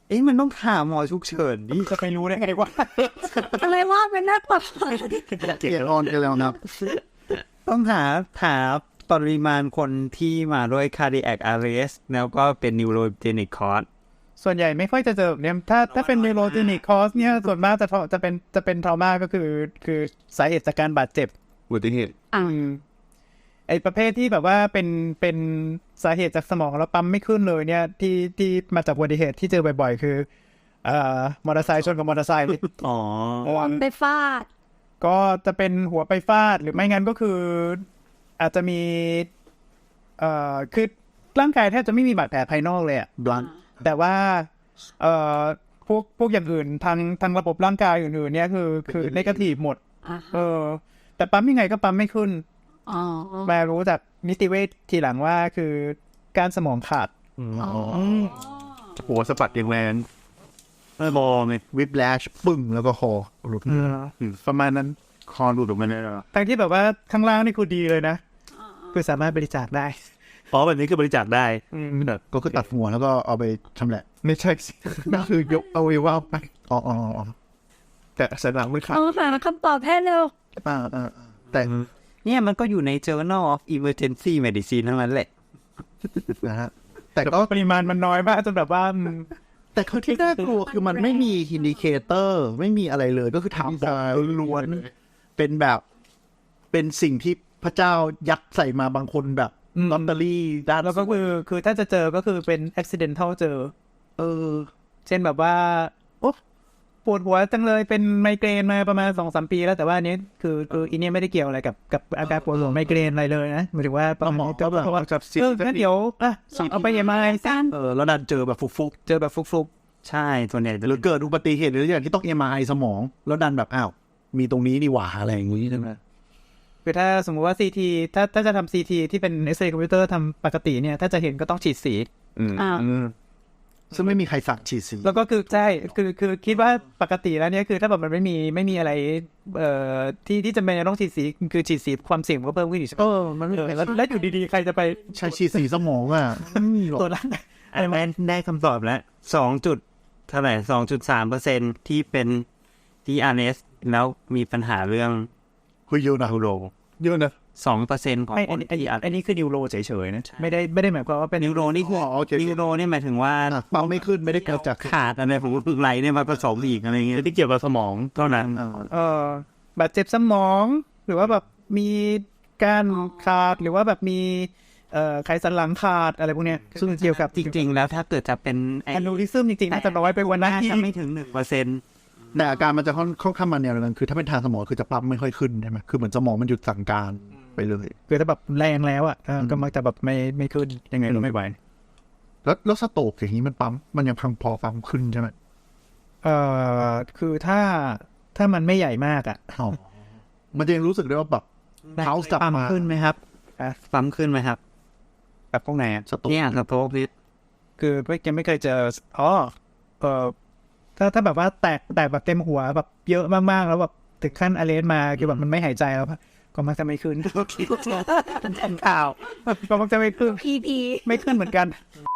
[SPEAKER 3] เอ๊ะมันต้องถามหมอฉุกเฉินดิ
[SPEAKER 4] จะไปรู้ได้ไงว่า
[SPEAKER 1] อะไรว่าเป็นนักปรับ
[SPEAKER 5] เกียร์ออนกันแล้วนะครับ
[SPEAKER 3] ต้องหาหาปริมาณคนที่มาด้วย cardiac arrest แล้วก็เป็น neurogenic cause
[SPEAKER 4] ส่วนใหญ่ไม่ค่อยจะเจอแบบเนี่ยถ้าถ้าเป็น neurogenic cause เนี่ยส่วนมากจะจะเป็นจะเป็น trauma ก็คือคือสาเหตุจากการบาดเจ็บ
[SPEAKER 2] อุบัติเหตุ
[SPEAKER 1] อ่า
[SPEAKER 4] ไอ้ประเภทที่แบบว่าเป็นเป็นสาเหตุจากสมองแล้วปั๊มไม่ขึ้นเลยเนี่ยที่ที่มาจากอุบัติเหตุที่เจอบ่อยๆ คือเอ่อมอเตอร์ไซค์ชนกับมอเตอร์ไซค์
[SPEAKER 6] อ๋อ
[SPEAKER 1] ไปฟาด
[SPEAKER 4] ก็จะเป็นหัวไปฟาดหรือไม่งั้นก็คืออาจจะมีเอ่อคือร่างกายแทบจะไม่มีบาดแผลภายนอกเลยอะ
[SPEAKER 5] บลัน
[SPEAKER 4] แต่ว่าเอ่อพวกพวกอย่างอื่นทางทางระบบร่างกายอื่นๆเนี่ยคือคือเนกาทีฟหมด
[SPEAKER 1] อ่า
[SPEAKER 4] เออแต่ปั๊มยังไงก็ปั๊มไม่ขึ้น
[SPEAKER 1] อ๋อ
[SPEAKER 4] มารู้จากนิติเวชทีหลังว่าคือการสมองขาด
[SPEAKER 2] หัวสะบัดอย่างแรง
[SPEAKER 6] ไม่มองเลย
[SPEAKER 5] วิบแลชปึ้งแล้วก็คอหลุด
[SPEAKER 2] ประมาณนั้นคอหลุดออกมาเลยเหรอ
[SPEAKER 4] ทั้งที่แบบว่าข้างล่างนี่คือดีเลยนะคือสามารถบริจาคได้
[SPEAKER 6] อ๋อแบบนี้คือบริจาคได้
[SPEAKER 5] ก็คือตัดหัวแล้วก็เอาไปชำแหละ
[SPEAKER 2] ไม่ใช่สินั่นคือยกเอาไว้ว่าไป
[SPEAKER 5] อ๋ออ๋ออ๋อ
[SPEAKER 2] แต่สันหลังมันขาด
[SPEAKER 1] เอาหาคำตอบให้เร็ว
[SPEAKER 5] อ่าอ่าอ่าแต่
[SPEAKER 3] เนี่ยมันก็อยู่ใน Journal of Emergency Medicine ทั้งนั้นแหละ
[SPEAKER 5] นะฮะแต่ก็
[SPEAKER 4] ปริมาณมันน้อยมากจนแบบว่า
[SPEAKER 5] แต่เขาที่น่ากลัวคือมันไม่มีอินดิเคเตอร์ไม่มีอะไรเลยก็คือถามบอกล้วนๆเป็นแบบเป็นสิ่งที่พระเจ้ายัดใส่มาบางคนแบบ
[SPEAKER 4] อืม
[SPEAKER 5] ลอตเตอรี่ด้าน
[SPEAKER 4] แล้วก็คือคือถ้าจะเจอก็คือเป็น accidental เจอ
[SPEAKER 5] เออ
[SPEAKER 4] เช่นแบบว่าโอ้ปวดหัวจังเลยเป็นไมเกรนมาประมาณสองสามปีแล้วแต่ว่าอันนี้คือคืออีเนี่ยไม่ได้เกี่ยวอะไรกับกับอาการปวดหัวไมเกรนอะไรเลยนะหมายถึงว่าประมาณนี้
[SPEAKER 5] ก็แบบ
[SPEAKER 4] เพราะว่า
[SPEAKER 2] จับสิ
[SPEAKER 4] เอองั้นเดี๋ยวอ่ะเอาไปเอ็มไอซัน
[SPEAKER 5] เออแล้วดันเจอแบบฟุก
[SPEAKER 4] เจอแบบฟุก
[SPEAKER 3] ใช่ส่วนใหญ่
[SPEAKER 5] ๆ
[SPEAKER 3] จะ
[SPEAKER 5] หรือเกิดอุบัติเหตุหรืออย่างที่ต้องเอ็มไอสมอง แล้วดันแบบอ้าวมีตรงนี้นี่หว่าอะไรอย่างงี้ใช่ไหม
[SPEAKER 4] ๆคือถ้าสมมุติว่า ซี ที ถ้าถ้าจะทำ ซี ที ที่เป็น เอ็กซเรย์ คอมพิวเตอร์ทำปกติเนี่ยถ้าจะเห็นก็ต้องฉีดสี
[SPEAKER 2] อืม
[SPEAKER 1] อ่า
[SPEAKER 2] อืม
[SPEAKER 5] ซึ่งไม่มีใครสั่งฉีดสี
[SPEAKER 4] แล้วก็คือใช่คือคือคิดว่าปกติแล้วเนี่ยคือถ้าแบบมันไม่มีไม่มีอะไรเอ่อที่ที่จำเป็นจะต้องฉีดสีคือฉีดสีความเสี่ยงมันก็เพิ่มขึ้นอยู่ใช่ไหม
[SPEAKER 5] เออมันไม่
[SPEAKER 4] เออแล้วแล้วอยู่ดีๆใครจะไป
[SPEAKER 5] ใช้ฉีดสีสมองอ่ะไม่มีหรอก
[SPEAKER 4] ตัวจร่าง
[SPEAKER 3] อันนั้นได้คำตอบแล้วสองจุดเท่าไหร่สองจุดสามเปอร์เซ็นที่เป็นที่ อาร์ เอส แล้วมีปัญหาเรื่อง
[SPEAKER 5] คุยเยอะนะ
[SPEAKER 3] นิวโร
[SPEAKER 2] เยอะนะ
[SPEAKER 3] สองเปอร์เซ็นของ
[SPEAKER 4] ไม่
[SPEAKER 3] ค
[SPEAKER 4] อัน
[SPEAKER 3] น
[SPEAKER 4] นี้อัน
[SPEAKER 3] ที่
[SPEAKER 4] นี้
[SPEAKER 3] อาร์
[SPEAKER 4] อันนี้คือนิวโรเฉยๆนะไม่ได้ไม่ได้หมายความว่าเป็น
[SPEAKER 3] นิวโรนี่คือ
[SPEAKER 5] อ๋อโอเค
[SPEAKER 3] นิวโรนี่หมายถึงว่า
[SPEAKER 5] อ่ะเป้าไม่ขึ้นไม่ได้เกิดจาก
[SPEAKER 3] ขาดอะไรผมฝึกไหลเนี่ยมาผสมอีกอะไรเงี้ย
[SPEAKER 6] ที่เกี่ยวกับสมองเท่านั้น
[SPEAKER 5] เออ
[SPEAKER 4] เอ่อบาดเจ็บสมอง หรือว่าแบบมีการขาดหรือว่าแบบมีเอ่อไขสันหลังขาดอะไรพวกเนี้ยซึ่งเกี่ยวกับ
[SPEAKER 3] จริง ๆ แล้วถ้าเกิดจะเป็นไอ้
[SPEAKER 4] แอนนูริซึมจริงๆน่าจะน้อยไปกว่านั้น
[SPEAKER 3] น่า
[SPEAKER 4] ที่
[SPEAKER 3] จะไม่ถึงหนึ่งเปอร์เซ็นต์
[SPEAKER 5] แต่อาการมันจะค่อนค่อนข้างมาแนวนั้นคือถ้าเป็นทางสมองคือจะปั๊มไม่ค่อยขึ้นใช่ไหมคือเหมือนสมองมันหยุดสั่งการไปเลย
[SPEAKER 4] คือถ้าแบบแรงแล้วอ่ะเออก็มักจะแบบไม่ไม่ขึ้นยังไงเราไม่ไหว
[SPEAKER 5] แล้วแล้วสโตรกอย่างนี้มันปั๊มมันยังพังพอปั๊มขึ้นใช่ไหม
[SPEAKER 4] เอ่อคือถ้าถ้ามันไม่ใหญ่มากอ่ะ
[SPEAKER 5] อ๋อมันจะยังรู้สึกได้ว่าแบบเท้าจับ
[SPEAKER 3] ปั๊ม
[SPEAKER 5] มา
[SPEAKER 3] ขึ้นไหมครับ
[SPEAKER 4] อ่ะ
[SPEAKER 3] ปั๊มขึ้นไหมครับ
[SPEAKER 4] แบบพวกไหนอะ
[SPEAKER 5] สโตรก
[SPEAKER 3] เนี่ยสโตรกนี่
[SPEAKER 4] คือไม่ยังไม่เคยเจออ๋อเออถ้าถ้าแบบว่าแตกแตกแบบเต็มหัวแบบเยอะมากๆแล้วแบบถึงขั้นอะเลนมาคือแบบมันไม่หายใจแล้วก็มักจะไม่ขึ้น
[SPEAKER 3] ข่าว
[SPEAKER 4] ก็มักจะไม่ขึ้น
[SPEAKER 1] พีพี
[SPEAKER 4] ไม่ขึ้นเหมือนกัน